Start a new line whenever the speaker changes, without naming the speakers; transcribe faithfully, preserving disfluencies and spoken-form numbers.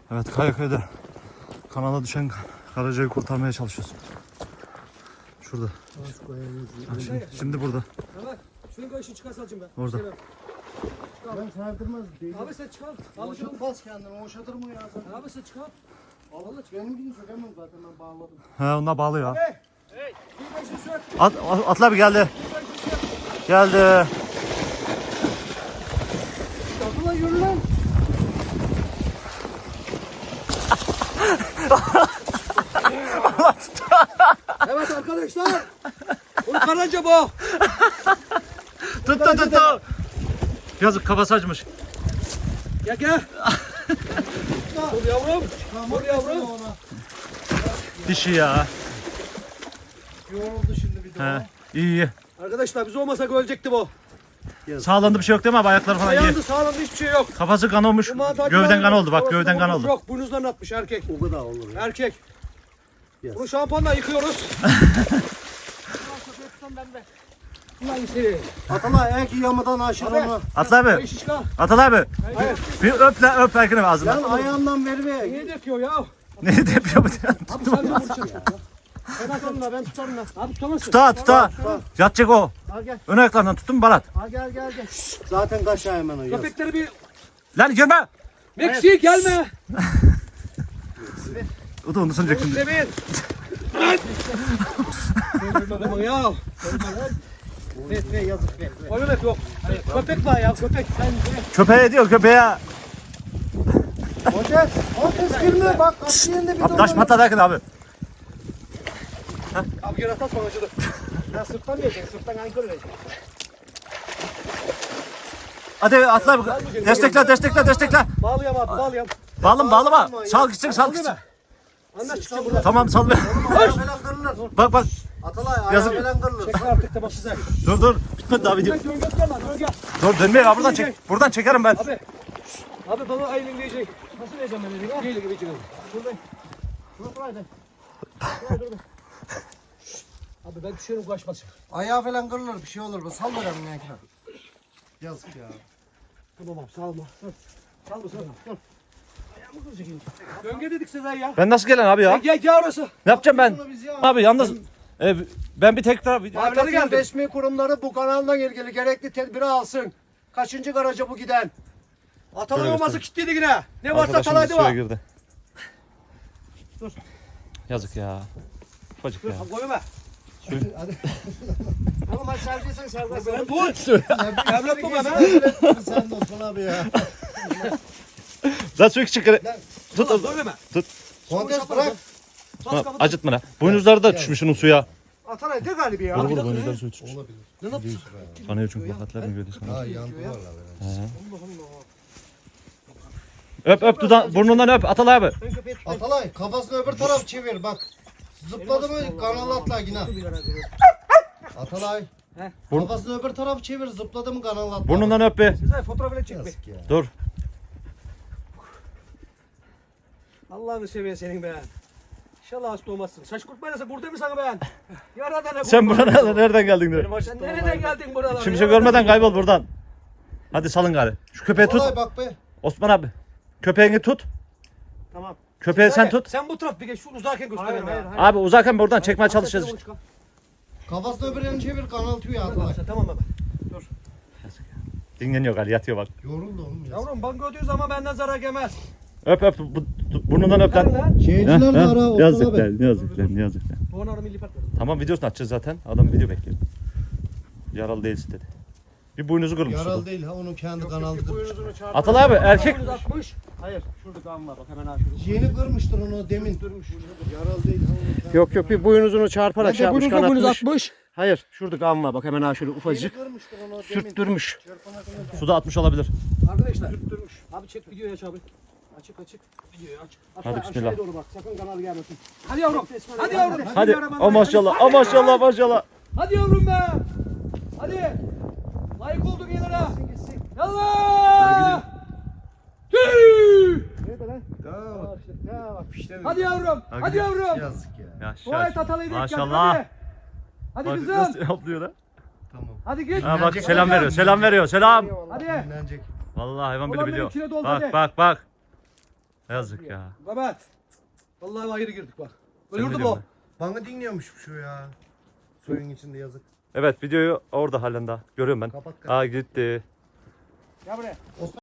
Evet, Kayaköy'de kanala düşen karacayı kurtarmaya çalışıyoruz. Şurada. Bak şimdi, şimdi burada.
Evet. Şunu koy, şu çıkarsa alacağım ben.
Orada.
Ben sardırmaz değil.
Abi sen çıkar. Abi sen
Boşaltmaz kendini, boşaltır mı ya sen?
Abi sen çıkar.
Allah benimkini sökemem zaten, ben bağladım.
He, onlar bağlı ya.
Hey. Hey. Bir beşi sök.
At, at, atla bir geldi.
Bir beşi sök.
Geldi.
Abdullah yürü lan. Evet arkadaşlar. Bu karaca bu.
Tuttu tuttu. Yazık, kafası açmış.
Gel gel. Dur yavrum. Dur yavrum.
Dişi ya.
Yoruldu şimdi bir de
He, iyi iyi.
Arkadaşlar biz olmasak ölecekti bu.
Sağlandı, bir şey yok değil mi abi? Ayakları falan iyi.
Ayağında sağlamda hiçbir şey yok.
Kafası kan olmuş.
Bu mantar
Gövden
gibi
kan oldu bak,
kafasında
gövden kan
vurmuş
oldu.
Yok, burnunuzdan atmış erkek.
O kadar olur ya.
Erkek.
Yes.
Bunu şampuanla yıkıyoruz. Ulan seni.
Atalay eğer ki yamadan aşır
Abi.
onu.
Atla abi.
Beş şişka.
Atla abi.
Hayır.
Bir öp lan, öp Erkin abi
Lan
ağzından.
ayağından ver be.
Niye döküyor ya?
Ne yapıyor bu?
Abi sen de vuracaksın. Ben atarım da ben tutarım da. Abi tutamazsın.
Tuta tuta. Yatacak o.
Al gel.
Ön ayaklarından tutun Balat.
Al gel gel gel. Zaten kaç ay hemen o yaz.
Köpekleri bir...
Lan girme.
Meksik gelme.
O da onu sanacak şimdi.
Demin. Adamın ya.
Ver ver yazık ver. ver.
Oyun hep yok. Köpek var ya köpek. Sen
Köpeğe diyor, köpeğe.
Hoces. Hoces girme bak kapı yerinde bir
Abi taş patladı Erkin abi.
Abi gel atas bana acıdı.
Ya sırttan vereceksin, sırttan ankör vereceksin.
Hadi atla abi. Destekle destekle destekle.
Bağlayam abi bağlayam.
Bağlım bağlama. Sal gitsin sal gitsin.
Anlaş çıkacağım buradan.
Tamam sal.
Ayağı falan kırılır.
Bak bak.
Atalay ayağı
Yazık.
falan kırılır.
Çek artık da bak size.
Dur dur. Bitmedi daha video.
Gel gel gel lan gel.
Dur dönme ya, buradan çek. Buradan çekerim ben.
Abi. Abi bana aylin diyecek. Nasıl vereceğim ben elini? Neyle gibi çıkıyor? Buradayım. Dur dur hadi. Dur dur. Abi ben düşerim kaçmasın.
Ayağı falan kırılır, bir şey olur bu. Sal verelim ya ekran. Yazık ya.
Tamam abi salma. Salma salma. Dur. Ayağımı kıracak. Döngü dedik size ya.
Ben nasıl gelen abi ya?
Gel gel orası.
Ne yapacağım ben?
Bunu biz ya.
Abi yalnız e, ben bir tekrar video
Abi,
Devletin
geldim.
resmi kurumları bu kanalla ilgili gerekli tedbiri alsın. Kaçıncı garaja bu giden?
Atalay
Şöyle
olması
göstereyim.
kilitliydi yine. Ne varsa
Arkadaşımız
atalaydı
suya
var.
girdi.
Dur.
Yazık ya. Ufacık
Dur
ya.
koyma.
Hadi. Oğlum hadi sergiysen serbest.
Ben dur. Evlat baba ben.
Sen de Osman abi ya.
Lan su çıkar. Tut.
Dur deme.
Kontes bırak.
Tamam, acıtma lan. Boynuzları da düşmüş şunun suya.
Atalay de galiba ya.
Vur vur, boynuzları suya düşmüş.
Olabilir.
Ne yaptın?
Kanıyor çünkü bakatlar mı gördü sana.
Ha yandı valla.
Öp öp dudan, burnundan öp Atal abi.
Ben köpeği tutayım.
Atalay kafasını öbür taraf çevir bak. Zıpladı mı kanal atla yine. Atalay.
He.
Kafasını öbür taraf çevir, zıpladı mı kanal atla.
Burnundan öp be.
Size fotoğrafını çek be.
Yazık ya.
Dur.
Allah'ını seviyor senin be. İnşallah hasta olmazsın. Saç kurtmayasın burada mı sana ben? Yaradan ne
Sen buradan nereden geldin diyor.
Sen nereden geldin buralara?
Şimdi şey görmeden kaybol buradan. Hadi salın gari. Şu köpeği tut.
Atalay bak be.
Osman abi. Köpeğini tut.
Tamam.
Köpeği sen tut.
Sen bu taraf bir geç. Şu uzarken gösterelim hayır, ya. hayır.
Abi uzaktan buradan çekmeye çalışacağız.
Kafasını öbür yerini çevir, kanal tüyü Atalay.
Tamam baba.
Dinleniyor gari, yatıyor bak.
Yoruldu oğlum ya.
Yavrum banka ödüyoruz ama benden zarar gelmez.
Öp öp. Bu- bu- Burnundan öp
Lan
lan.
lan.
Şeyciler de ara Osman
Yazık
abi.
lan, yazık lan, yazık lan.
Doğan arı milli patladı.
Tamam, videosunu açacağız zaten. Adam video bekliyor. Yaralı değilsin dedi. Bir boynuzu kırmış.
Yaralı
şurada.
değil ha, onun kendi kanalı kırmış.
Atal abi erkek.
atmış. Hayır. Şurada kan var bak hemen ha şurada.
Yeni kırmıştır onu demin. Durmuş. Yaralı değil ha, onun kendi
Yok yok bir boynuzunu çarparak şey yapmış
boynuzla boynuz
atmış. Hayır şurada kan var bak hemen ha şöyle
Yeni
ufacık.
kırmıştır onu demin.
Sürttürmüş.
Çırpana kadar.
Suda atmış olabilir.
Arkadaşlar. Sürttürmüş. Abi çek videoyu aç abi. Açık açık. Videoyu aç. Hatta
Hadi bismillah.
aşağıya doğru bak. Sakın kanalı gelmesin. Hadi yavrum. Hadi yavrum.
Hadi.
Bismillahirrahmanirrahim.
O maşallah. O maşallah maşallah.
Hadi yavrum be. Hadi. Layık olduk yenara. Yallah. Tüy.
Nerede lan? Tamam. Ya bak pişti.
Hadi yavrum. Hadi yavrum.
Yazık ya.
Dua et atalıyı denk geldik,
Maşallah.
Hadi. Hadi
Bak
kızım.
nasıl yapıyor lan.
Tamam.
Hadi git.
Ha bak
Dinlenecek.
selam veriyor. Selam veriyor. Selam.
Hadi.
Dinlenecek.
Vallahi hayvan bile
Ulan benim
biliyor.
içine doldu
Bak
hadi.
bak bak. Yazık ya.
Mehmet. Vallahi ayrı girdik bak.
Sen
Ölürdü
ne
bu.
diyorsun
Bana dinliyormuş şu ya. Suyun içinde yazık.
Evet videoyu orada halen daha görüyorum ben.
Kapat kapat.
Aa gitti.
Gel buraya.